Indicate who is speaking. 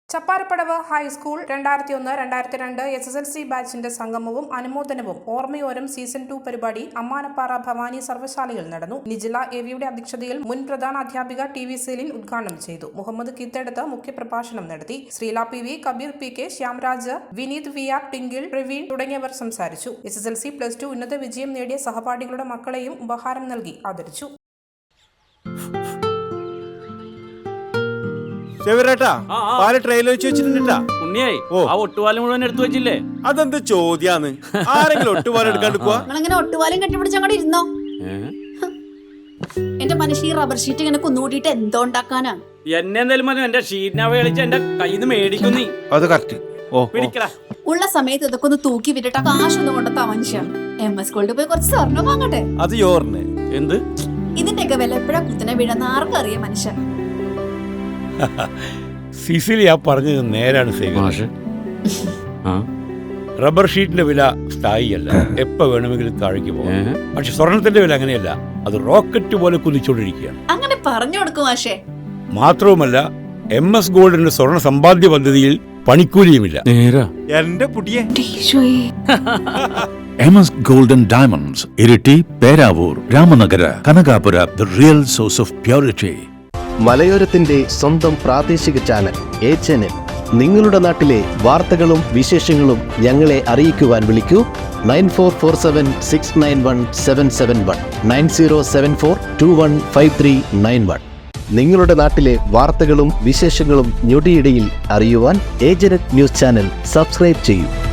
Speaker 1: Chapparapadavu high school 2001-2002 SSLC ബാച്ചിന്റെ സംഗമവും അനുമോദനവും ഓർമ്മയോരം season 2 പരിപാടി അമ്മാനപ്പാറ ഭവാനി സർവ്വശാലയിൽ നടന്നു. നിജില എവിയുടെ അധ്യക്ഷതയിൽ മുൻ പ്രധാന അധ്യാപിക TV സെലിൻ ഉദ്ഘാടനം ചെയ്തു. മുഹമ്മദ് കീത്തെടുത്ത് മുഖ്യപ്രഭാഷണം നടത്തി. Sreela PV, Kabeer PK, Shyamraj, Vineeth VR, Tinkle, Praveen തുടങ്ങിയവർ സംസാരിച്ചു. SSLC +2 ഉന്നത വിജയം നേടിയ സഹപാഠികളുടെ മക്കളെയും ഉപഹാരം നൽകി ആദരിച്ചു.
Speaker 2: ഒട്ടുപാലം മുഴുവൻ എടുത്തു വെച്ചില്ലേ?
Speaker 3: അതെന്ത് ചോദ്യാന്ന്? ആരെങ്കിലും ഒട്ടുപാലം എടുക്കാണ്ട് പോവാ?
Speaker 4: ഒട്ടുപാലം കെട്ടിപ്പിടിച്ച് അങ്ങോട്ട് ഇരുന്നോ. എന്റെ മനുഷ്യ റബ്ബർ ഷീറ്റ് ഇങ്ങനെ കുന്നുകൂട്ടിട്ട് എന്തോ ഉണ്ടാക്കാനാ?
Speaker 2: എന്നെ എന്തായാലും മതി, എന്റെ ഷീറ്റിനെ കളിച്ച് എന്റെ കയ്യിൽ നിന്ന് മേടിക്കുന്നീ.
Speaker 3: അത് കറക്റ്റ്.
Speaker 4: ഉള്ള സമയത്ത് ഇതൊക്കെ ഒന്ന് തൂക്കി വിട്ടിട്ട് കാശൊന്നും കൊണ്ടെത്താ മനുഷ്യ. MS ഗോൾഡ് പോയി കുറച്ച് സ്വർണ്ണം വാങ്ങട്ടെ.
Speaker 3: അത് യോറിന്
Speaker 2: എന്ത്?
Speaker 4: ഇതിന്റെയൊക്കെ വില എപ്പോഴാ കുത്തിനെ വീഴുന്ന ആർക്കറിയാം മനുഷ്യ.
Speaker 5: സിസിലി ആ പറഞ്ഞത് നേരാണ്. റബ്ബർ ഷീറ്റിന്റെ വില സ്ഥായിയല്ല, എപ്പോ വേണമെങ്കിലും താഴേക്ക് പോകാം. പക്ഷെ സ്വർണത്തിന്റെ വില അങ്ങനെയല്ല, അത് റോക്കറ്റ് പോലെ കുതിച്ചുകൊണ്ടിരിക്കുകയാണ്.
Speaker 4: അങ്ങനെ പറഞ്ഞു കൊടുക്കും മാഷേ.
Speaker 5: മാത്രവുമല്ല, MS ഗോൾഡിന്റെ സ്വർണ്ണ സമ്പാദ്യ പദ്ധതിയിൽ പണിക്കൂലിയുമില്ല.
Speaker 3: എന്റെ പുതിയ
Speaker 6: MS Golden Diamonds, Iritty, Peravoor, Ramanagara, Kanakapura, the real source of purity.
Speaker 7: മലയോരത്തിന്റെ സ്വന്തം പ്രാദേശിക ചാനൽ HNN. നിങ്ങളുടെ നാട്ടിലെ വാർത്തകളും വിശേഷങ്ങളും ഞങ്ങളെ അറിയിക്കുവാൻ വിളിക്കൂ 9447691771 9074215391. നിങ്ങളുടെ നാട്ടിലെ വാർത്തകളും വിശേഷങ്ങളും ഞൊടിയിടയിൽ അറിയുവാൻ ഏജനറ്റ് ന്യൂസ് ചാനൽ സബ്സ്ക്രൈബ് ചെയ്യൂ.